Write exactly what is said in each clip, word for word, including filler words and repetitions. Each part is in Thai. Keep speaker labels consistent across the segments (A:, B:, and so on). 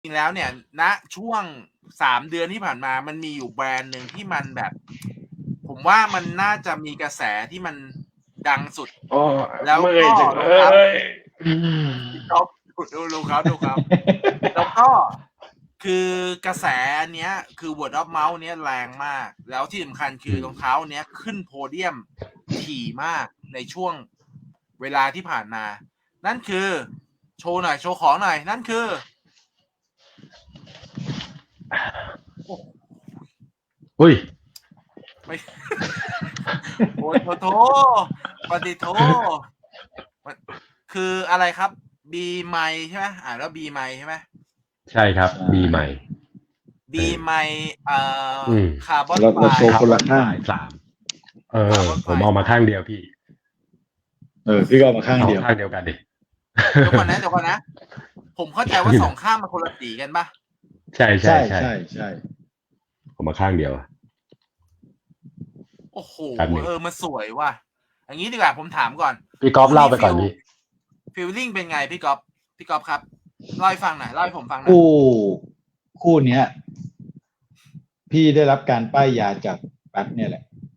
A: จริงแล้วเนี่ย ณ ช่วง สาม เดือนที่ผ่านมา มันมีอยู่แบรนด์หนึ่งที่มันแบบ ผมว่ามันน่าจะมีกระแสที่มันดังสุด
B: โอ้ย
A: แล้ว
B: เมื่อ
A: ก็
B: ยจังเล
A: รองเท้า
B: ย อืม
A: พี่ก๊อฟ ดู ดูเขา ดูเขา แล้วก็ คือกระแสอันเนี้ย คือ word of mouth เนี้ยแรงมาก แล้วที่สำคัญคือรองเท้าเนี้ยขึ้นโพเดียมถี่มากในช่วงเวลาที่ผ่านมา นั่นคือ โชว์หน่อย โชว์ของหน่อย นั่นคือ โอ้
B: อุ๊ย
A: ไม่ โอ้ โถ โถ ปะติโถ มัน คืออะไรครับ B Mic ใช่ไหม? อ่านว่า B Mic ใช่ไหม?
B: ใช่ครับ B Mic
A: B
B: เออ
A: Mic เอ่อ
B: อืม
A: คาร์บอน
C: เรา เราโชว์
A: ไฟบ์
C: คนละข้าง
B: สาม เออ
A: Carbon
B: ผมเอา
A: Fiber
B: มาข้างเดียวพี่
C: เออ พี่ก็เอามาข้าง
B: เอา
C: เดียว
B: ข้างเดียวกันดิ
A: เดี๋ยวก่อนนะ เดี๋ยวก่อนนะ ผมเข้าใจว่า สอง ข้างมันคนละสีกันเปล่า?
B: ใช่
C: ใช่
B: ๆ
C: ๆ ๆ
B: ผมมาข้างเดียว
A: โอ้โฮ
B: แป๊บหนึ่ง
A: เออ มันสวยว่ะ อย่างงี้ดีกว่า ผมถามก่อน
B: พี่ก๊อฟเล่าไปก่อนพี่
A: ฟีลลิงเป็นไงพี่ก๊อฟ พี่ก๊อฟครับ เล่าให้ฟังหน่อย เล่าให้ผมฟังหน่
C: ค
A: อย
C: ู่ คู่เนี้ย พี่ได้รับการป้ายยาจากแป๊บเนี่ยแหละ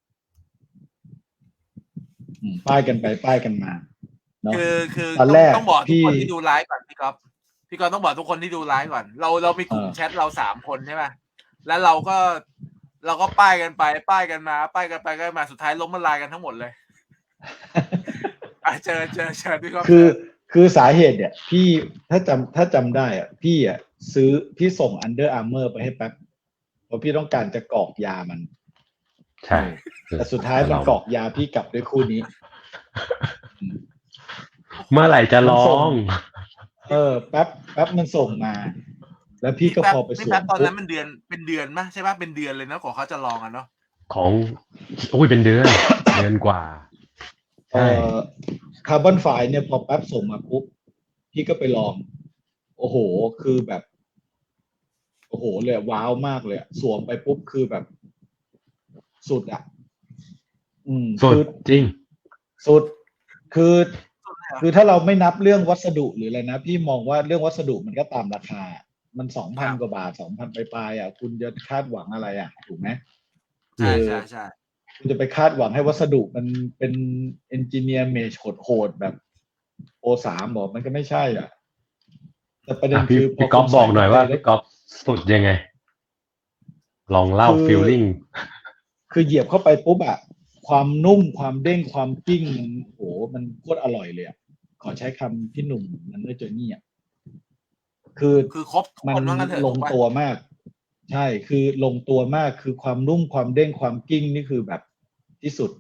C: อืม ป้ายกันไปป้ายกันมา เนาะ
A: คือ คือ
C: ตอน
A: ต้อ
C: แรง ก
A: ต้องบอกทุ
C: พี
A: ก่คนที่ดูไลฟ์ก่อนพี่ก๊อฟ พี่ก๊อฟต้องบอกทุกคนที่ดูไลฟ์ก่อน เรา เรามีกลุ่ม
C: เออ
A: แชตเรา สาม คนใช่เปล่า? แล้วเราก็ เราก็ป้ายกันไป ป้ายกันมา ป้ายกันไปป้ายกันมา สุดท้ายล้มละลายกันทั้งหมดเลย อา เชิญ เชิญ เชิญพี่ก๊อฟ
C: คื
A: เช
C: อ
A: ิญ
C: คือสาเหตุเนี่ย พี่ ถ้าจำ ถ้าจำได้อะ พี่อะซื้อ พี่ส่ง Under Armour ไปให้แป๊บ เพราะพี่ต้องการจะกรอกยามัน
B: ใช่
C: แต่สุดท้ายมันกรอกยาพี่กลับด้วยคู่นี้ อืม
B: เมื่อไหร่จะลอง
C: เออ แป๊บ แป๊บมันส่งมา แล้วพี่ก็
A: แป๊บ
C: พอไป
A: พี่
C: สว
A: แป๊
C: ม
A: บตอน
C: ปุ
A: นั้
C: ๊บ
A: นมันเดือน เป็นเดือนเปล่า ใช่เปล่า? เป็นเดือนเลยนะ กว่าเขาจะลองอะเนาะ
B: ของ อุ๊ย เป็นเดือน เดือนกว่า
C: เอ่อ Carbon Fiber เนี่ย พอแป๊บส่งมาปุ๊บ พี่ก็ไปลอง โอ้โฮ คือแบบ โอ้โฮ เลยอะ ว้าวมากเลยอะ สวมไปปุ๊บ คือแบบ สุดอะ อืม
B: สุ
C: คื
B: ด
C: อ
B: จริง
C: สุด คือ
A: สุดเลยเหรอ?
C: คือถ้าเราไม่นับเรื่องวัสดุหรืออะไรนะ พี่มองว่าเรื่องวัสดุมันก็ตามราคา มัน สองพัน
A: ครับ
C: กว่าบาท สองพัน ปลายๆอะ คุณจะคาดหวังอะไรอะ ถูกไหม?
A: ใ
C: เออ
A: ช่ ๆ ๆ
C: คุณจะไปคาดหวังให้วัสดุมันเป็น Engineer Mesh โหด ๆ แบบ โอ สาม เหรอ? มันก็ไม่ใช่อะ แต่ประเด็
B: อ่า
C: น
B: พี่
C: คือ พ
B: พี่ก๊อฟ
C: คุณ
B: บ
C: ใส่
B: อกหน่อย
C: เข้าไป
B: ว่า
C: แล
B: พ้ี่
C: ว
B: ก๊อฟสุดยังไง? ลองเล่า
C: คือ
B: ฟีลลิง
C: คือเหยียบเข้าไปปุ๊บอะ ความนุ่ม ความเด้ง ความกิ้ง มัน โอ้โฮ มันโคตรอร่อยเลยอะ ขอใช้คำพี่หนุ่ม Runner Journey อะ คือ
A: คือครบทุก
C: มั
A: คน ว่างั้นเถอะ
C: ลง
A: ถูกเปล่า?
C: ตัวมาก ใช่ คือลงตัวมาก คือความนุ่ม ความเด้ง ความกิ้ง นี่คือแบบที่สุด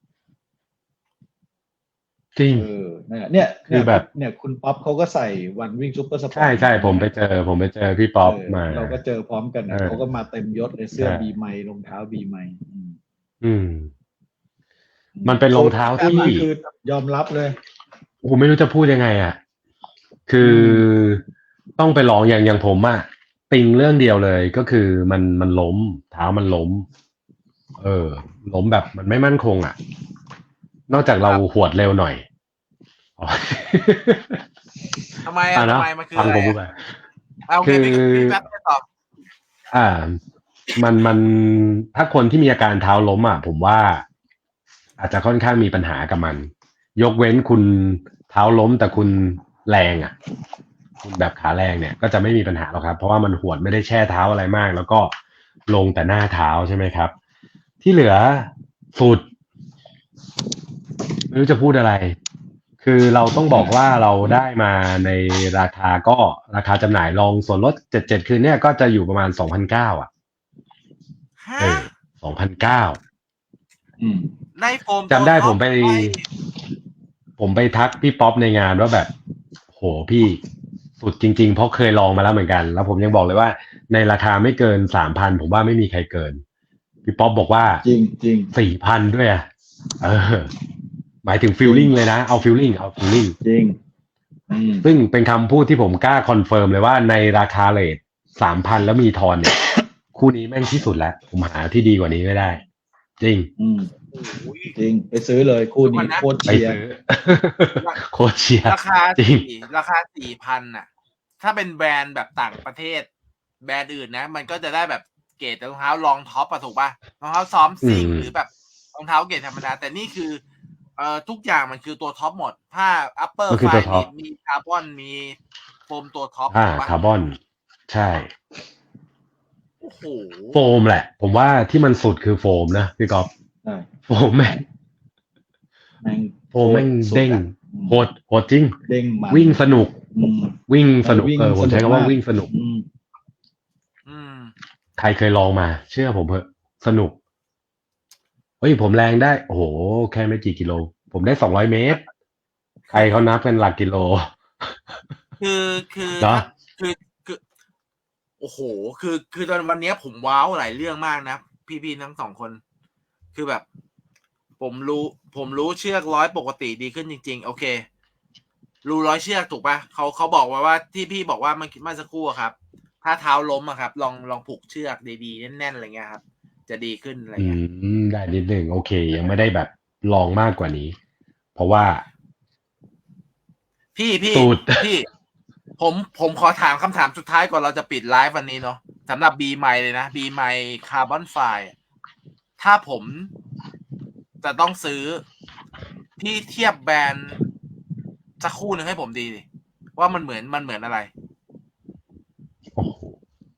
B: จริง
C: เออ นั่นแหละ เนี่ย
B: ค
C: เนืี่
B: อย แบบ
C: เนี่ย คุณป๊อปเขาก็ใส่วันวิ่งซุปเปอร์สป
B: ใ
C: อร์ต
B: ช่ ๆ ผมไปเจอ ผมไปเจอพี่ป๊อป
C: เออ
B: มา
C: เราก็เจอพร้อมกัน
B: เอ
C: น่ะ
B: อ
C: เขาก็มาเต็มยศเลย เสื้
B: ใ
C: อ
B: ช่
C: B Mic รองเท้า B Mic อืม
B: อืม
C: อืม
B: มันเป็นรองเท้า
C: สุด
B: ที่
C: คือยอมรับเลย
B: โอ้โฮ ไม่รู้จะพูดยังไงอะ คื
C: อื
B: อ
C: ม
B: ต้องไปลอง อย่าง อย่างผมอะ ติงเรื่องเดียวเลย ก็คือมัน มันล้ม เท้ามันล้ม เออ ล้มแบบมันไม่มั่นคงอะ นอกจากเรา
A: ครับ
B: หวดเร็วหน่อย อ๋อ
A: ทำไมอ
B: อา
A: ะ
B: เ
A: ท
B: นา
A: ำ
B: ะ
A: ไม มันคือ
B: ฟัง
A: อะไรอ
B: ผมพูด
A: ะ?
B: ไป
A: อา โอ
B: ค
A: เค
B: ือ
A: พี่ พี่แป๊บเชิญต่อ
B: อ่า มัน มัน ถ้าคนที่มีอาการเท้าล้มอะ ผมว่า อาจจะค่อนข้างมีปัญหากับมัน ยกเว้นคุณเท้าล้ม แต่คุณแรงอะ คุณแบบขาแรงเนี่ย ก็จะไม่มีปัญหาหรอกครับ เพราะว่ามันหวดไม่ได้แช่เท้าอะไรมาก แล้วก็ลงแต่หน้าเท้า ใช่ไหมครับ ที่เหลือสุด ไม่รู้จะพูดอะไร คือเราต้องบอกว่าเราได้มาในราคา ก็ราคาจำหน่ายรองส่วนลด เจ็ดเจ็ด คืนเนี้ย ก็จะอยู่ประมาณ สองพันเก้า อะ
A: ฮ
B: เอ
A: ะ?
B: อ สองพันเก้า
C: อืม
A: ได้โฟม
B: จำได้
A: ตัวท็อป
B: ผมไป
A: ได้
B: ผมไปทักพี่ป๊อปในงานว่าแบบ โอ้โฮ พี่สุดจริง ๆ เพราะเคยลองมาแล้วเหมือนกัน แล้วผมยังบอกเลยว่า ในราคาไม่เกิน สามพัน ผมว่าไม่มีใครเกิน พี่ป๊อปบอกว่า
C: จริง ๆ
B: สี่พัน ด้วยอะ เออ หมายถึงฟีล
C: จริง
B: ลิงเลยนะ เอาฟีลลิง เอาฟีลลิง
C: จริง อืม
B: ซึ่งเป็นคำพูดที่ผมกล้าคอนเฟิร์มเลยว่า ในราคาเรต สามพัน แล้วมีทอนเนี่ย คู่นี้แม่งที่สุดแล้ว ผมหาที่ดีกว่านี้ไม่ได้ จริง
C: อืม
A: โอ้โฮ
C: จริง ไปซื้อเลยคู่นี้ โคตร
A: เดี๋ยวก่อนนะ
C: เชียร์
B: ไปซื้อ
A: รา
B: โคตรเชียร์
A: ราคา
B: จริ
A: สี่
B: ง
A: ราคา สี่พัน น่ะถ้าเป็นแบรนด์แบบต่างประเทศ แบรนด์อื่นนะ มันก็จะได้แบบเกรดรองเท้ารองท็อปอะถูกป่ะรองเท้าซ้อมซิ่ง
B: อืม
A: หรือแบบรองเท้าเกรดธรรมดา แต่นี่คือเอ่อทุกอย่างมันคือตัวท็อปหมด ผ้า upper
B: มันคือ
A: ไฟ
B: ตัวท็อ
A: มี
B: ป
A: มีคาร์บอนมีโฟมตัวท็อป
B: อ่า
A: ถูกป่ะ
B: คาร์บอน ใช่
A: โอ้โห
B: โฟมแหละ ผมว่าที่มันสุดคือโฟมนะพี่ก๊อฟ
C: ใช่
B: โฟมแม่ง
C: แม่ง
B: โฟมแม่ง
C: สุ
B: เด้ง
C: อะอืม
B: โหดโหดจริง
C: เด้งมัน
B: วิ่งสนุก
C: อืม
B: วิ่งสนุก
C: วิ่ง
B: เออผมใช้
C: สนุก
B: คำว่า
C: าก
B: วิ่งสนุก
C: อืม
A: อืม
B: ใครเคยลองมา เชื่อผมเถอะสนุกเฮ้ยผมแรงได้ โอ้โห แค่ไม่กี่กิโล ผมได้สองร้อยเมตร ใครเขานับเป็นหลักกิโล
A: คือคือ
B: เหรอ
A: ถ้าคือคือโอ้โห คือคือตอนวันเนี้ยผมว้าวหลายเรื่องมากนะ พี่ๆทั้งสองคน คือแบบ ผมรู้ ผมรู้เชือกร้อยปกติดีขึ้นจริง ๆ โอเค รู้ร้อยเชือกถูกปะเขาเขาบอกว่าว่าที่พี่บอกว่าเมื่อเมื่อสักครู่อะครับ ถ้าเท้าล้มอะครับ ลองลองผูกเชือกดีๆแน่นๆอะไรเงี้ยครับ จะดีขึ้นอะไร
B: อื
A: เงี้ย
B: ม ได้นิดหนึ่งโอเค ยังไม่ได้แบบลองมากกว่านี้ เพราะว่า
A: พี่พี่
B: สูตร
A: พี่ ผมผมขอถามคำถามสุดท้ายก่อนเราจะปิดไลฟ์วันนี้เนาะสำหรับ B ไมเลยนะ B ไมคาร์บอนไฟถ้าผมจะต้องซื้อพี่เทียบแบรนด์สักคู่หนึ่งให้ผมดีดิว่ามันเหมือนมันเหมือนอะไร
B: โอ้โห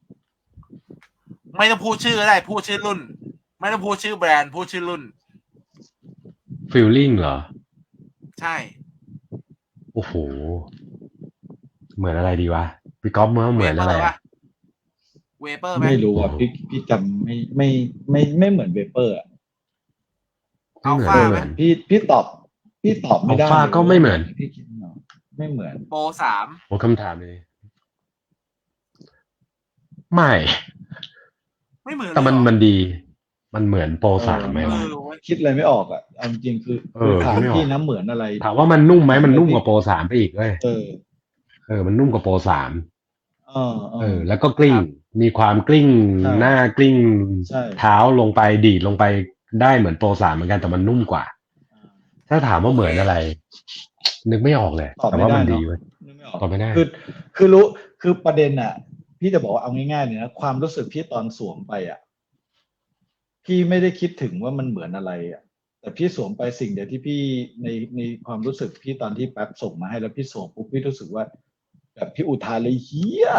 A: ไม่ต้องพูดชื่อก็ได้ พูดชื่อรุ่น ไม่ต้องพูดชื่อแบรนด์พูดชื่อรุ่น
B: ฟีลลิ่งเหรอ
A: ใช่
B: โอ้โห เหมือนอะไรดีวะ พี่ก๊อฟเมื่อเหมือนอะไรอะ
A: เวเปอร์ไหม
C: ไม่รู้อ่ะพี่พี่จำไม่ไม่ไม่ไม่เหมือนเวเปอร์อ่ะ
B: ไม่เหมือน
A: อัลฟา
B: ไม่
A: ไห
B: เห
A: ม
B: มือน
C: พี่พี่ตอบ พี่ตอบไม่ได้
B: อัลฟา
C: เลย
B: ก็ไม่เหมือน
C: พี่คิดเนาะไม่เหมือน
A: โปรสาม
B: โอ้คำถามเลยไม่
A: ไม่เหมือนเลย
B: แต่มัน
A: เหรอ
B: มันดี มันเหมือนโปร
C: เออ
B: สามไหม
A: เอ
B: วะ
A: อเว้ย
C: คิดอะไรไม่ออกอ่ะเอาจริงๆคือ
B: เอ
C: คือ
B: อ
C: ถาม
B: คิดไม่ออก
C: พี่นะเหมือนอะไร
B: ถามว่ามันนุ่มไหมมันนุ่มกว่าโปรสามไปอีกเว้ย
C: เออ
B: เออ มันนุ่มกว่าโปรสาม
C: เออเอ
B: เอ
C: อ
B: อ แล้วก็กลิ้ง มีความกลิ้ง
C: ใช่
B: หน้ากลิ้ง
C: ใช่
B: เท้าลงไปดีดลงไปได้เหมือนโปรสามเหมือนกันแต่มันนุ่มกว่า ถ้าถามว่าเหมือนอะไร นึกไม่ออกเลย
C: ตอบ
B: แต่
C: ไม่
B: ว่า
C: ได้
B: มัน
C: เน
B: ดี
C: อะ
B: เว้ย
C: นึกไม่ออก
B: ตอบไม่ได้
C: คือคือรู้คือประเด็นอ่ะ พี่จะบอกว่าเอาง่ายๆเลยนะความรู้สึกพี่ตอนสวมไปอ่ะ พี่ไม่ได้คิดถึงว่ามันเหมือนอะไรอ่ะ แต่พี่สวมไปสิ่งเดียวที่พี่ในในความรู้สึกพี่ตอนที่แป๊บส่งมาให้แล้วพี่สวมปุ๊บพี่รู้สึกว่า แบบพี่อุทานเลยเฮีย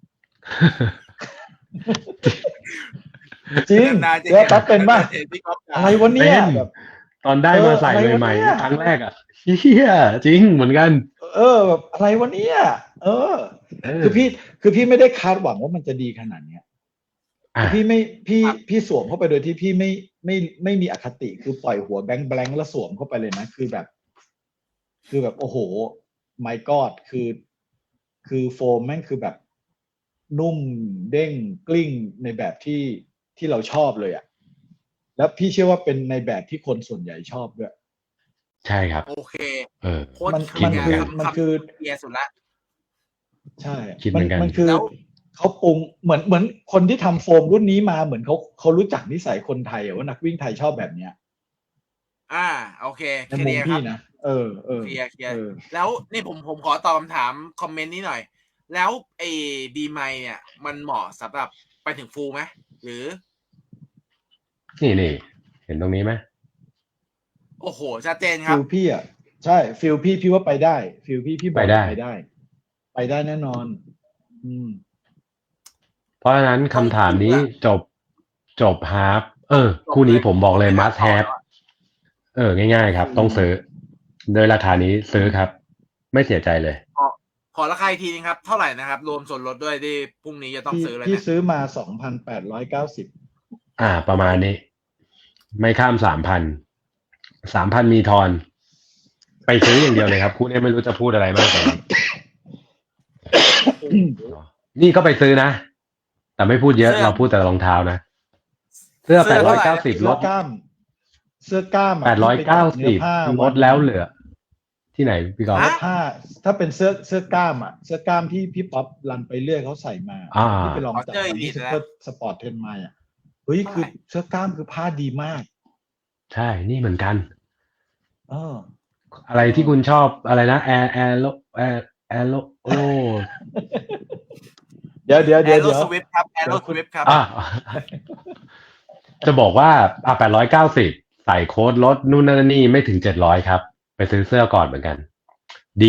C: จริง
A: นานๆจะ
C: แล้วแป๊บเป็นป่ะ
A: เห็นพี่ก๊อฟด่า
C: อะไรวะเนี่ย
B: เป็น
C: แบบ
B: ตอนได้มาใส่
C: เอออะไรวะ
B: ใหม่
C: เนี่ย
B: ๆครั้งแรกอ่ะเฮียจริงเหมือนกัน
C: เออแบบอะไรวะเนี่ยเออ
B: เออ
C: คือพี่คือพี่ไม่ได้คาดหวังว่ามันจะดีขนาดเนี้ย
B: อ่ะ
C: พี่ไม่พี่
A: ครับ
C: พี่สวมเข้าไปโดยที่พี่ไม่ไม่ไม่มีอคติคือปล่อยหัวแบงค์แบงค์แล้วสวมเข้าไปเลยนะคือแบบ คือแบบโอ้โห my god คือ คือโฟมแม่งคือแบบ นุ่มเด้งกลิ้งในแบบที่ที่เราชอบเลยอะ่ะ แล้วพี่เชื่อว่าเป็นในแบบที่คนส่วนใหญ่ชอบด้วย
B: ใช่ครับ
A: โอเค
B: เออ
A: โคตร
C: มัน
A: เคลียร์
B: มันคือ
A: คำ
C: มันคือ
A: เคลียร์สุดละ
C: ใช่
B: คิดเหมือนกัน
C: มันคือ
A: แล้ว
C: เขาปรุงเหมือนเหมือนคนที่ทำโฟมรุ่นนี้มาเหมือนเขาเขารู้จักนิสัยคนไทยอะว่านักวิ่งไทยชอบแบบเนี้ย
A: อ่า โอเค
C: ใน
A: เค
C: มุ
A: ลี
C: ม
A: ยร์ค
C: พี่
A: รับ
C: นะเออเออ
A: เคลียร์เคลียร์
C: เออ
A: แล้วนี่ผมผมขอตอบคำถามคอมเมนต์นี้หน่อย แล้วไอ้บีไมเนี่ย มันเหมาะสำหรับไปถึงฟูลไหมหรือ
B: นี่นี่เห็นตรงนี้ไหม
A: โอ้โห ชัดเจนครั
C: ฟิ
A: บ
C: ลพี่อ่ะใช่ฟิลพี่พี่ว่าไปได้ฟิลพี่พี่บอก
B: ไปได้
C: ไปได้ ไปได้แน่นอน อืม
B: เพราะฉะนั้นคำถามนี้จบจบฮาร์ฟเออ คู่นี้ผมบอกเลย must have เออ ง่ายๆครับ ต้องซื้อ โดยราคานี้ซื้อครับ ไม่เสียใจเลย
A: ขอขอราคาอีกทีนึงครับ เท่าไหร่นะครับ รวมส่วนลดด้วยที่พรุ่งนี้จะต้อง
C: พี่
A: ซื้อเลย
C: พี่
A: เนี่ย
C: ซื้อมาสองพันแปดร้อยเก้าสิบ
B: อ่า ประมาณนี้ ไม่ข้ามสามพันสามพันมีทอน ไปซื้ออย่างเดียวเลยครับ คู่นี้ไม่รู้จะพูดอะไรมากกว่านี้นี่ก็ไปซื้อนะ แต่ไม่พูดเยอะ
A: เสื้อ
B: เราพูดแต่รองเท้านะ เสื้อ
A: เสื้
B: แป
A: อ
B: ดร้อย
A: เท่าไหร่
B: เก้าสิบล
C: เสื้อ
B: ด
C: กล้าม เสื้อกล้ามะ
B: แปดร้อยเก้า
C: ที่
B: สิบ
C: เป็นผ้า
B: ลดแล้วเหลือ ที่ไหนพี่กอล์ฟ
C: เนื้อผ้า ถ้าเป็นเสื้อเสื้อกล้ามอ่ะ เสื้อกล้ามที่พี่ป๊อปรันไปเรื่อยเขาใส่มา
B: อ่า
C: ที่ไปลองจับ
A: เจอ
C: มาที่
A: Elite
C: ซุป
A: นะ
C: เปอร์สปอร์ตเทนมาอ่ะเฮ้ยคือเสื้อกล้ามคือผ้าดีมาก
B: ใช่ นี่เหมือนกัน
C: เออ
B: อะไรที่คุณชอบอะไรนะแอร์แอร์โลแอร์แอร์โลโอ้
C: เดี๋ยวเดี๋ยว
A: แอ
C: เดี๋ยว
A: โร
C: เดี๋ยว
A: สวิฟครับแอโรสวิฟครับ
B: อ่ะจะบอกว่าอ่ะแปดร้อยเก้าสิบใส่โค้ดลดนู่นนั่นนี่ไม่ถึงเจ็ดร้อยครับ ไปซื้อเสื้อก่อนเหมือนกัน ดี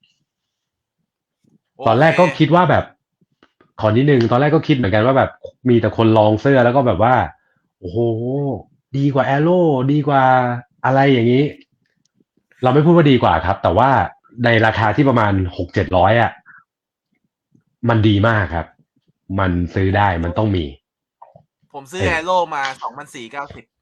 B: ตอนแรกก็คิดว่าแบบ ขอนิดนึงตอนแรกก็คิดเหมือนกันว่าแบบมีแต่คนลองเสื้อแล้วก็แบบว่า โอ้โห ดีกว่าแอโร่ดีกว่าอะไรอย่างนี้ เราไม่พูดว่าดีกว่าครับ แต่ว่าในราคาที่ประมาณหกเจ็ดร้อยอ่ะ มันดีมากครับ มันซื้อได้มันต้องมี
A: ผมซื้อแอโรมาสองพันสี่เก้าสิบ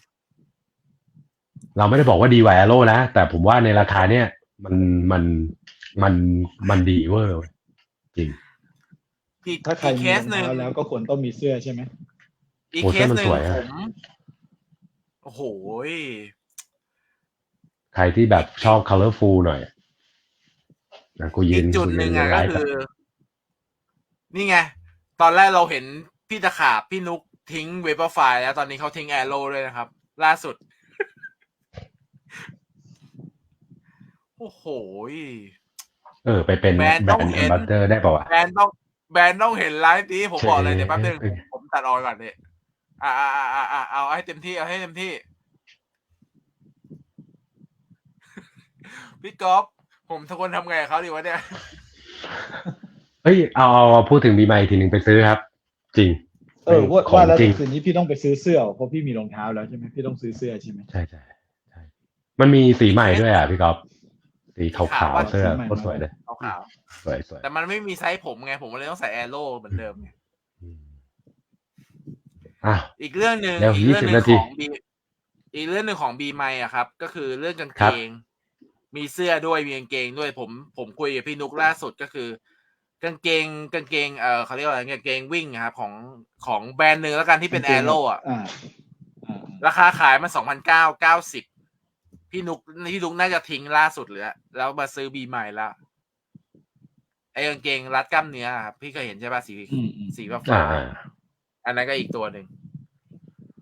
B: เราไม่ได้บอกว่าดีกว่าแอโร่นะ แต่ผมว่าในราคาเนี้ยมันมันมันมันดีเวอร์จริง
A: อีก
C: ถ้าใคร
A: อีก
C: มี
A: เค
C: ร
A: ส
C: อง
A: หนึ่ง
C: เท้าแล้วก็ควรต้องมีเสื้อใช่ไหม
A: อีก
B: โอ้
A: เค
B: เสื้อ
A: ส
B: มัน
A: หนึ่
B: ส
A: ง
B: วยอะ
A: ผมโอ้โห
B: ใครที่แบบชอบ colorful หน่อยนะกูยื
A: อี
B: น
A: กจุด
B: กู
A: ห
B: ยื
A: นึ่
B: น
A: ง
B: ใน
A: อ่ะ
B: ไล
A: ก็
B: ฟ์
A: คือ นี่ไง ตอนแรกเราเห็นพี่ตะขาบพี่นุกทิ้งเวเปอร์ไฟล์แล้วตอนนี้เขาทิ้งแอโร่เลยนะครับ ล่าสุด โอ้โห
B: เออ ไปเป็น
A: แบรนด์
B: แบร
A: ต้อง
B: นด์
A: เห็
B: แอม
A: น
B: บาสเดอร์ได้ป่าวะ
A: แบรนด์ต้องแบรนด์ต้องเห็นไลฟ์นี้ผมบอกเลยเดี๋ยวแป๊บนึง
B: เจ๊
A: ผมตัดออนก่อนเนี่ยอ่าอ่าอ่าอ่าเอาให้เต็มที่เอาให้เต็มที่ พี่ก๊อฟผมทุกคนทำไงกับเขาดีวะเนี่ย
B: เฮ้ยเอาเอาเอาพูดถึงบีไมค์ทีหนึ่งไปซื้อครับ จริง
C: เออว่า
B: ของ
C: ว่าแล้ว
B: จริง
C: คืนนี้พี่ต้องไปซื้อเสื้อเพราะพี่มีรองเท้าแล้วใช่ไหมพี่ต้องซื้อเสื้อใช่ไหม
B: ใช่ใช่ใช่มันมีสีใหม่ด้วยอ่ะพี่ก๊อฟสีขาว
A: ขาว
B: ๆ
A: อะ
B: เสื้อ
C: สีใหม่
B: โคตรสวยเลย
A: ขาว
B: สวยสวย
A: ๆแต่มันไม่มีไซส์ผมไงผมเลยต้องใส่แอโร่เหมือนเดิมไง
B: อืมอ้าว
A: อีกเรื่องหนึ่ง
B: เร็ว
A: อีกเรื่องหนึ่ง
B: ยี่สิบนาที
A: ของบีอีกเรื่องหนึ่งของบีไมอะครับ ก็คือเรื่องกาง
B: ค
A: เก
B: รับ
A: ง มีเสื้อด้วยมีกางเกงด้วยผมผมคุยกับพี่นุกล่าสุดก็คือ กางเกงกางเกงเออเขาเรียกว่าอะไรกางเกงวิ่งครับของของแบรนด์หนึ่งแล้วกันที่เป็นแอโร่อะ
C: อ่าอ่า
A: ราคาขายมันสองพันเก้าเก้าสิบพี่นุกพี่นุกน่าจะทิ้งล่าสุดเลยอะแล้วมาซื้อบีไมแล้วไอ้กางเกงรัดกล้ามเนื้อครับพี่เคยเห็นใช่ป่ะสี
C: อืมอืม
A: สีฟ้า
B: อ่า
A: ฟ้าอันนั้นก็อีกตัวหนึ่ง